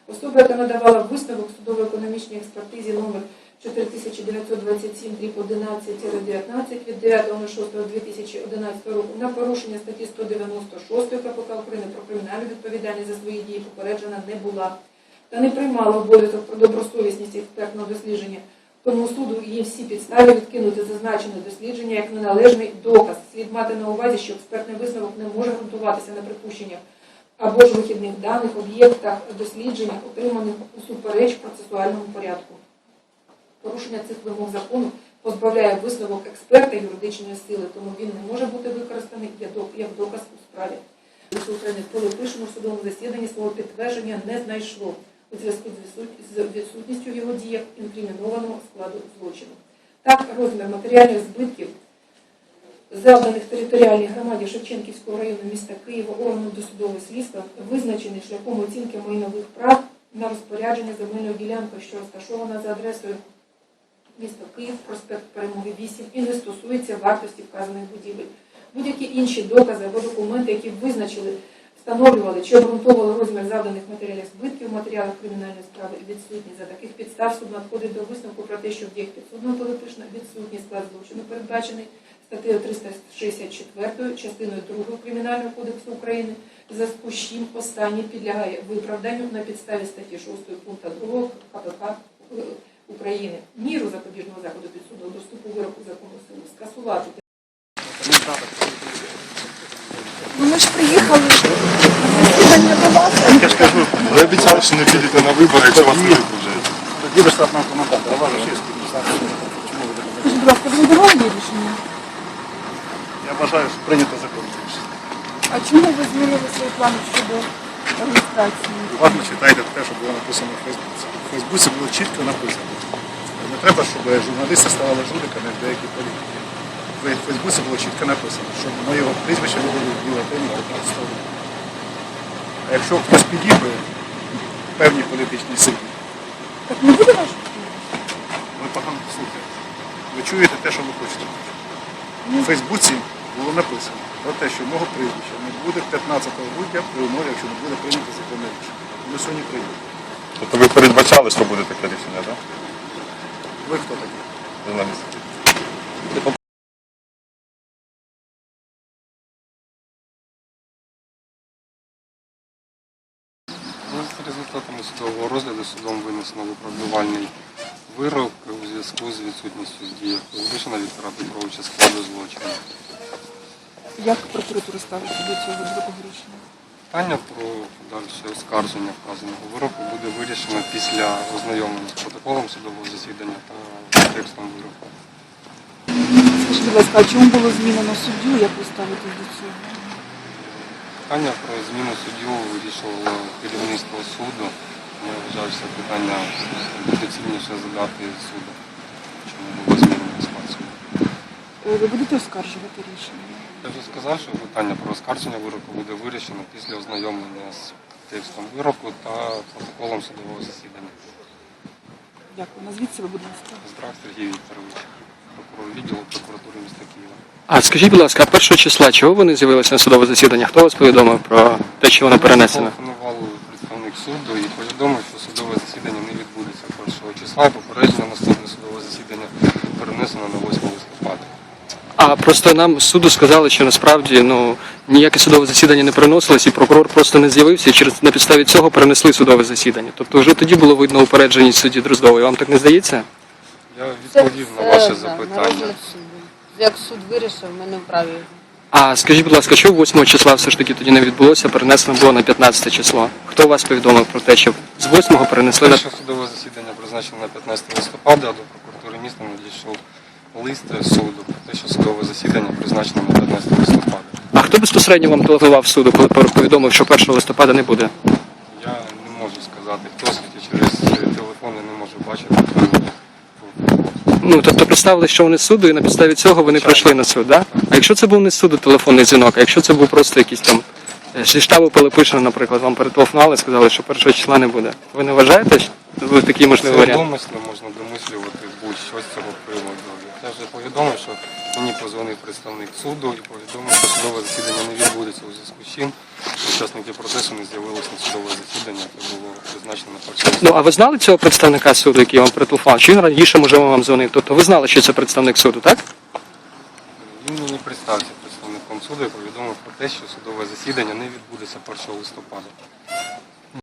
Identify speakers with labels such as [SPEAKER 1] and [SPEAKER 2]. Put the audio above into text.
[SPEAKER 1] Особа, яка надавала висновок судово-економічній експертизі номер 4927/11-19 від 9.06.2011 року на порушення статті 196 КПК України про кримінальну відповідальність за свої дії попереджена не була та не приймала обов'язок про добросовісність експертного дослідження. Тому суду є всі підстави відкинути зазначене дослідження як неналежний доказ. Слід мати на увазі, що експертний висновок не може ґрунтуватися на припущеннях або ж вихідних даних, об'єктах дослідження, отриманих усупереч процесуальному порядку. Порушення цих вимог закону позбавляє висновок експерта юридичної сили, тому він не може бути використаний як доказ у справі. України Пилипишину в судовому засіданні свого підтвердження не знайшло у зв'язку з відсутністю в його діях інкримінованого складу злочину. Так, розмір матеріальних збитків, завданих територіальній громаді Шевченківського району міста Києва органом досудового слідства, визначений шляхом оцінки майнових прав на розпорядження земельною ділянкою, що розташована за адресою місто Київ, проспект Перемоги 8, і не стосується вартості вказаних будівель. Будь-які інші докази або документи, які встановлювали чи обґрунтовували розмір завданих матеріальних збитків у матеріалах кримінальної справи, відсутні. За таких підстав суд надходить до висновку про те, що в діях підсудного Пилипишина відсутній склад злочину, передбачений статтею 364 частиною 2 Кримінального кодексу України, в зв'язку з чим останній підлягає виправданню на підставі статті 6 пункту 2 КПК України. Міру запобіжного заходу підсудного доступу вироку закону силу скасувати.
[SPEAKER 2] Ми ж приїхали на засідання до вас.
[SPEAKER 3] Я ж кажу, ви обіцяли, що не підете на вибори, якщо вас не виправдають.
[SPEAKER 4] Тоді ви штатного коментатора.
[SPEAKER 2] Скажіть, будь ласка, ви не давали рішення?
[SPEAKER 4] Я вважаю, що прийнято закон.
[SPEAKER 2] А чому ви змінили свої плани щодо реєстрації?
[SPEAKER 4] Уважно читайте те, що було написано в Фейсбуці. В Фейсбуці було чітко написано. Не треба, щоб журналісти ставали жуликами в деякі політики. В Фейсбуці було чітко написано, що моє прізвище буде в бюлетені 15 року. А якщо хтось підійде певній політичній силі,
[SPEAKER 2] Так не буде ваш?
[SPEAKER 4] ви погано слухаєте. Ви чуєте те, що ви хочете. У Фейсбуці було написано про те, що мого прізвища не буде 15 грудня при умові, якщо не буде прийнято законне рішення. Ми сьогодні прийняли.
[SPEAKER 3] Тобто ви передбачали, що буде таке рішення, так?
[SPEAKER 4] Ви хто такі?
[SPEAKER 3] Журналісти.
[SPEAKER 5] За результатами судового розгляду судом винесено виправдувальний вирок у зв'язку з відсутністю здії Пилипишина Віктора Петровича складу злочину.
[SPEAKER 2] Як прокуратура ставиться до цього такого рішення?
[SPEAKER 5] Питання про подальше оскарження вказаного вироку буде вирішено після ознайомлення з протоколом судового засідання та текстом вироку.
[SPEAKER 2] Скажіть, будь ласка, а чому було змінено суддю? Як ви ставитесь до цього?
[SPEAKER 5] Питання про зміну суддю вирішувало керівництво суду. Я вважаю, що питання доцільніше задати суду, чому було змінено склад суду.
[SPEAKER 2] Ви будете оскаржувати рішення?
[SPEAKER 5] Я вже сказав, що питання про оскарження вироку буде вирішено після ознайомлення з текстом вироку та протоколом судового засідання.
[SPEAKER 2] Дякую. Назвіть себе, будь ласка.
[SPEAKER 5] Здрак Сергій Вікторович, прокурор відділу прокуратури міста Києва.
[SPEAKER 6] А скажіть, будь ласка, 1 числа чого ви не з'явилися на судове засідання? Хто вас повідомив про те, що воно перенесено?
[SPEAKER 5] Телефонував представник суду і повідомив, що судове засідання не відбудеться 1 числа. Попередження наступне судове засідання перенесено на 8 листопада.
[SPEAKER 6] А просто нам з суду сказали, що насправді ніяке судове засідання не переносилось, і прокурор просто не з'явився, і на підставі цього перенесли судове засідання. Тобто вже тоді було видно упередженість судді Дроздової. Вам так не здається?
[SPEAKER 5] Я відповів на ваше запитання.
[SPEAKER 7] Як суд вирішив, ми не вправі.
[SPEAKER 6] А скажіть, будь ласка, що 8 числа все ж таки тоді не відбулося, перенесено було на 15 число? Хто вас повідомив про те, що з 8-го перенесли на...
[SPEAKER 5] Перше судове засідання призначено на 15 листопада, а до прокуратури міста надійшов лист суду про те, що судове засідання призначено на 15 листопада.
[SPEAKER 6] А хто безпосередньо вам телефонував суду, коли повідомив, що 1 листопада не буде?
[SPEAKER 5] Я не можу сказати, хто світі через телефон я не можу бачити.
[SPEAKER 6] Тобто представили, що вони з суду, і на підставі цього вони прийшли на суд, так? Да? А якщо це був не з суду телефонний дзвінок, а якщо це був просто якийсь там зі штабу Пилипишина, наприклад, вам перетелефонували і сказали, що 1 числа не буде. Ви не вважаєте, що ви такий можливий
[SPEAKER 5] Це
[SPEAKER 6] варіант?
[SPEAKER 5] домисли можна домислювати будь-що з цього приводу. Я вже повідомив, що Мені позвонив представник суду і повідомив, що судове засідання не відбудеться у зв'язку з чим учасники процесу не з'явилися на судове засідання, яке було призначено на 1 листопада.
[SPEAKER 6] Ну, а ви знали цього представника суду, який вам прителефонував? Чи він раніше, можливо, вам дзвонив? Тобто ви знали, що це представник суду, так?
[SPEAKER 5] Він мені представився представником суду і повідомив про те, що судове засідання не відбудеться 1 листопада.